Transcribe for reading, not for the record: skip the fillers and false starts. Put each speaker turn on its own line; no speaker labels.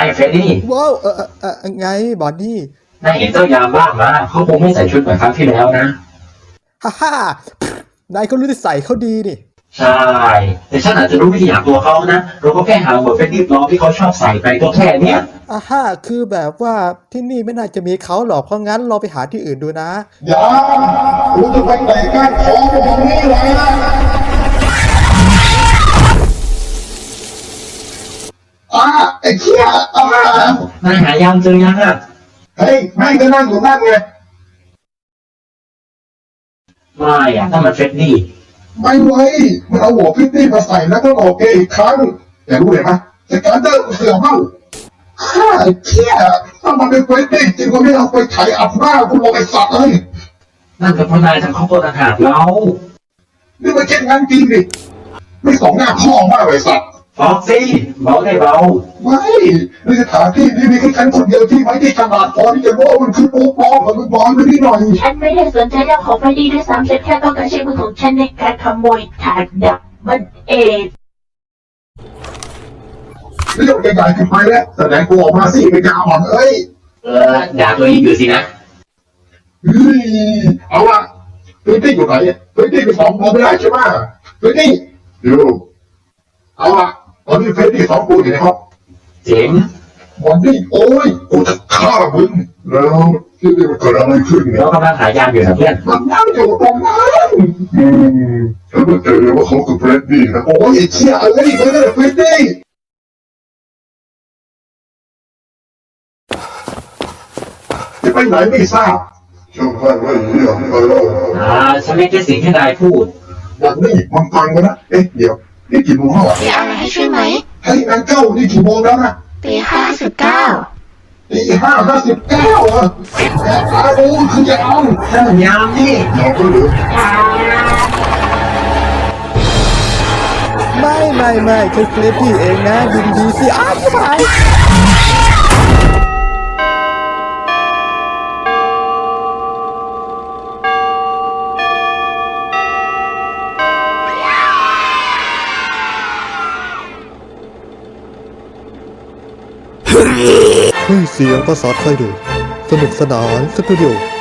เฟรดดี้
ว้าวไงบอนนี่
นายเห็นเจ้ายามบ้างมาเขาคงไม่ใส่ชุดเหมือนครั้งที่แล้วนะ
ฮ่านายก็รู้ที่ใส่เขาดีนี่
ใช่แต่ฉันอาจจะรู้วิธีหาตัวเขานะเราก็แค่หาหมวดเฟรดดี้ปลอมที่เขาชอบใส่ไปตัวแค่เนี้ย
คือแบบว่าที่นี่ไม่น่าจะมีเขาหรอกเพราะงั้นเราไปหาที่อื่นดูนะ
อย่าคุณจะไปเตะก้านคอตรงนี้เลยไอ้เหี้ย
นายหายามเจอยังอ่ะ
เฮ้ยแม่งก็นั่งอยู่นั่นไง
ไม่อะถ้ามันเฟรดดี้
ไม่ไว้มันเอาหัวพิตตี้มาใส่แล้วก็ออกเกย์อีกครั้งแต่รู้เลยไหมแต่การเดินเสือเมาไอ้เหี้ยถ้ามันเป็นเฟรดดี้จริงก็ไม่เอาไปไถอับหน้าคุณลงไอ้สัตว์เลย
นั่นก็เพราะนายทำข้าวโพดอาหารเรา
นี่มันเช่นงั้นจริงดิไม่สองหน้าพ่อมากเลยสัตว์
ฟอกซี่เบาได้เบา
ไม่ในสถานที่นี้มีแค่ฉันคนเดียวที่ไม่ได้ขนาดพอที่จะรู้ว่ามันคือโป๊ะปลอมมันบอลไปนิดหน่อย
ฉันไม่ได้สนใจเรื่องของไฟดีด้วยซ้ำฉันแค่ต้องการใช้มือของฉันในการขโมยถาดดับมันเอง
เรื่องใหญ่ๆขึ้นไปแล้วแสดงตัวออกมาสิเป็นยาอ่อนเอ้ย
ด่าตัวเองอยู่สินะ
เอาละพื้นที่อยู่ไหนพื้นที่เป็นสองคนไม่ได้ใช่ไหมพื้นที่อยู่เอาละตอนนี้พื้นที่สองคนอยู่ในห้อง
เจ๋ง
วันนี้โอ้ยกูจะฆ่ามึงแล้วที่นี่มันเกิดอะไรขึ้นเนี่ย
เรากำลังหายามอยู่นะเพื่อน
มันนั่งอยู่ตรงนั้นฉันไม่เจอเลยว่าเขาคือเฟรดดี้นะโอ้ยเชี่ยอะไรไม่ได้เฟรดดี้จะไปไหนไม่ทราบช่างแม่งไม่เหี้ยไปแล้ว
ฉันไม่แค่สิ่งที่นายพูด
วันนี้มันฟังกันนะเดี๋ยวนี่กี่โมงแล้ว
มีอะไรให้ช่วยไหม
เฮ้ยนางเจ้านี่กี่โมงแล้วนะ
ตี59
ตี59เหรอโอ้คือยาว
ยามนี่
ยาวก็เหลือ
ไม่ฉันเฟรดดี้เองนะดูดีสิชิบหายเฮ้ยเสียงภาษาไทยดูสนุกสนานสตูดิโอ